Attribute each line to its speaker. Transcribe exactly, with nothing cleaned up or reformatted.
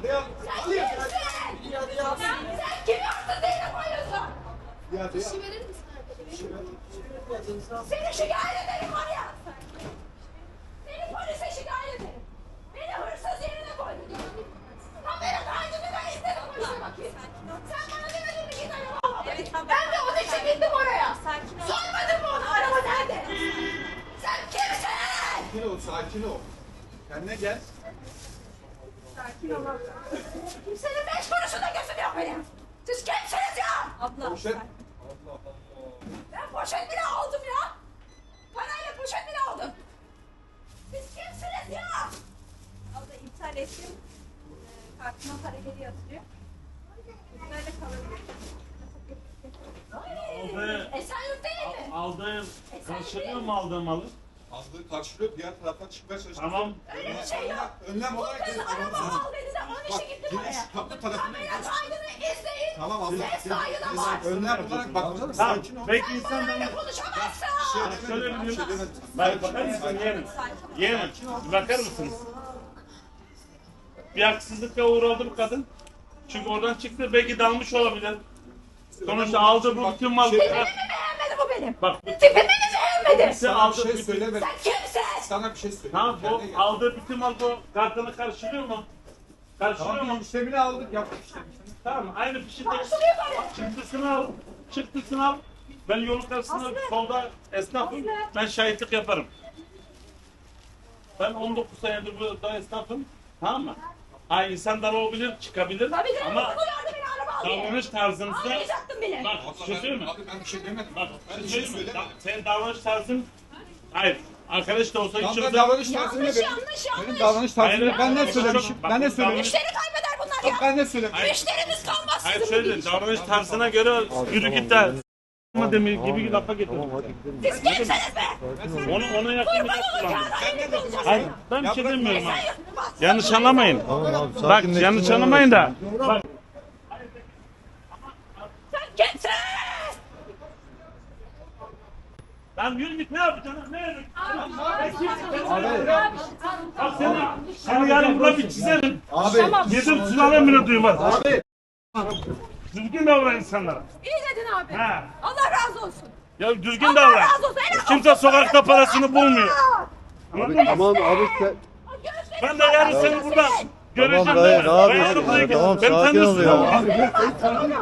Speaker 1: ya.
Speaker 2: Sen kimsin? Sen kimi hırsız yerine koyuyorsun?
Speaker 1: Ya
Speaker 2: Bir şey verir misin arkadaşım? Seni şikayet ederim var ya. Seni polise şikayet ederim. Beni hırsız yerine koydun. Kamera kaydını ben istedim polise bakayım. Sen bana demedin mi git araba?
Speaker 3: Evet, tamam.
Speaker 2: Ben de onun için gittim oraya.
Speaker 3: Sakin ol.
Speaker 2: Sormadın mı ona araba nerede? Sen kimsin?
Speaker 1: sakin ol, sakin ol. Kendine gel.
Speaker 3: Sakin ol abla.
Speaker 2: Kimsenin beş kuruşunda gözüm yok benim. Siz kimsiniz ya?
Speaker 3: Abla.
Speaker 1: Poşet.
Speaker 3: sakin.
Speaker 1: Allah Allah.
Speaker 2: Ben poşet bile aldım ya. Parayla poşet bile aldım. Siz kimsiniz ya?
Speaker 3: Abla iptal ettim. Ee, kartıma para geri yatırıyor. Böyle kalabilir.
Speaker 2: Ay, Esenyurt değil mi?
Speaker 4: Aldığım, karşılıyor mu aldığım malı?
Speaker 1: Aldığı karşılıyor, diğer taraftan çıkmaya çalışıyor.
Speaker 4: Tamam.
Speaker 2: Öyle bir şey yok.
Speaker 1: Önlem
Speaker 2: Bu
Speaker 1: olarak...
Speaker 2: kız araba al dedi de onun için gittim
Speaker 1: Bak,
Speaker 2: oraya.
Speaker 1: kapı tarafını...
Speaker 2: Kamera kaydını izleyin.
Speaker 1: Tamam abla.
Speaker 2: Ses kaydı da var.
Speaker 1: Önlem olarak bak,
Speaker 4: Tamam.
Speaker 1: sakin ol.
Speaker 4: Belki insan
Speaker 2: Böyle
Speaker 4: da...
Speaker 2: konuşamazsın.
Speaker 4: Bak şöyle bir şey. Bak bakar mısın yeğenim? Yeğenim bir bakar mısınız? Bir haksızlıkla uğradı bu kadın. Çünkü oradan çıktı belki dalmış olabilir. Sonuçta aldı bu bütün mal.
Speaker 2: Tipimi mi beğenmedi bu benim?
Speaker 4: Bak
Speaker 2: Tipimi mi beğenmedi?
Speaker 4: birisi
Speaker 1: Sana bir
Speaker 4: aldı
Speaker 1: şey
Speaker 4: bütün...
Speaker 1: söylemedim.
Speaker 2: Sen kimsin?
Speaker 1: Sana bir şey söyleyeyim.
Speaker 4: Tamam
Speaker 1: Kendine
Speaker 4: bu
Speaker 1: gel.
Speaker 4: aldığı bütün mal bu kartını karşılıyor mu? Karşılıyor
Speaker 1: Tamam,
Speaker 4: mu?
Speaker 1: işlemini aldık, yaptık işte.
Speaker 4: Tamam aynı fişinde
Speaker 2: Karşılıyor böyle.
Speaker 4: çıktısını al. Çıktısını al. Ben yolun karşısında solda esnafım. Ben şahitlik yaparım. Ben on dokuz senedir burada esnafım. Tamam mı? Ha insan dar olabilir, çıkabilir.
Speaker 2: Tabii canım.
Speaker 4: Ama
Speaker 2: Ama uyardı beni araba al diye.
Speaker 4: davranış tarzınızda...
Speaker 2: Ağlayacaktın beni.
Speaker 4: Bak
Speaker 1: Abla
Speaker 4: bir şey söyleyeyim mi?
Speaker 1: Abi ben bir şey demedim.
Speaker 4: Bak
Speaker 1: Ben
Speaker 4: bir
Speaker 1: bir
Speaker 4: şey
Speaker 1: şey
Speaker 4: söyleyeyim mi?
Speaker 1: söylemedim.
Speaker 4: Da- Senin davranış tarzın... Hayır. Arkadaş da olsa
Speaker 1: Tamam, ben
Speaker 4: içimizde...
Speaker 1: davranış tarzım ne
Speaker 2: Yanlış
Speaker 1: benim?
Speaker 2: yanlış
Speaker 1: Benim
Speaker 2: yanlış.
Speaker 1: davranış tarzım
Speaker 4: Hayır,
Speaker 1: ne? Ben ne
Speaker 4: hayır,
Speaker 1: söylemişim?
Speaker 4: bak,
Speaker 1: Ben ne
Speaker 4: bak,
Speaker 1: söylemişim?
Speaker 2: Müşteri kaybeder bunlar ya.
Speaker 1: Ben ne söylemişim?
Speaker 2: Müşterimiz kalmaz
Speaker 4: Hayır
Speaker 2: sizin bu
Speaker 4: şöyle
Speaker 2: gidişle.
Speaker 4: davranış tarzına göre yürü git de... Ama demir gibi bir lafa getirdim.
Speaker 2: Siz kimsiniz be?
Speaker 4: Onu, ona yakın bir
Speaker 2: Kurban
Speaker 4: laf kullandım.
Speaker 2: olacağına beni bulacağız.
Speaker 4: Hayır ben bir şey demiyorum ha.
Speaker 2: Sen yutmaz.
Speaker 4: Yanlış anlamayın. Bak yanlış anlamayın da. Bak
Speaker 2: Sen kimsin?
Speaker 4: lan yürü git ne yapacaksın? Ne yürü? Bak seni, seni yarın burada bir çizerim.
Speaker 1: Abi.
Speaker 4: Yedim sülalem bile duymaz.
Speaker 1: Abi.
Speaker 4: Düzgün davran insanlara.
Speaker 2: İyi dedin abi.
Speaker 4: Ha.
Speaker 2: Allah razı olsun.
Speaker 4: Ya düzgün
Speaker 2: Allah
Speaker 4: davran.
Speaker 2: razı olsun. Helal
Speaker 4: Kimse sokakta parasını bulmuyor. Anladın mı?
Speaker 5: Tamam abi sen...
Speaker 4: Ben de yarın seni burada göreceğim
Speaker 5: Tamam dayı
Speaker 4: değil mi?
Speaker 5: ne
Speaker 4: Ben
Speaker 5: yapıyorsun?
Speaker 4: yarın buraya
Speaker 5: Tamam
Speaker 4: geleceğim. Beni
Speaker 5: sakin ol
Speaker 4: tanıyorsun.
Speaker 5: ya.
Speaker 2: olsun.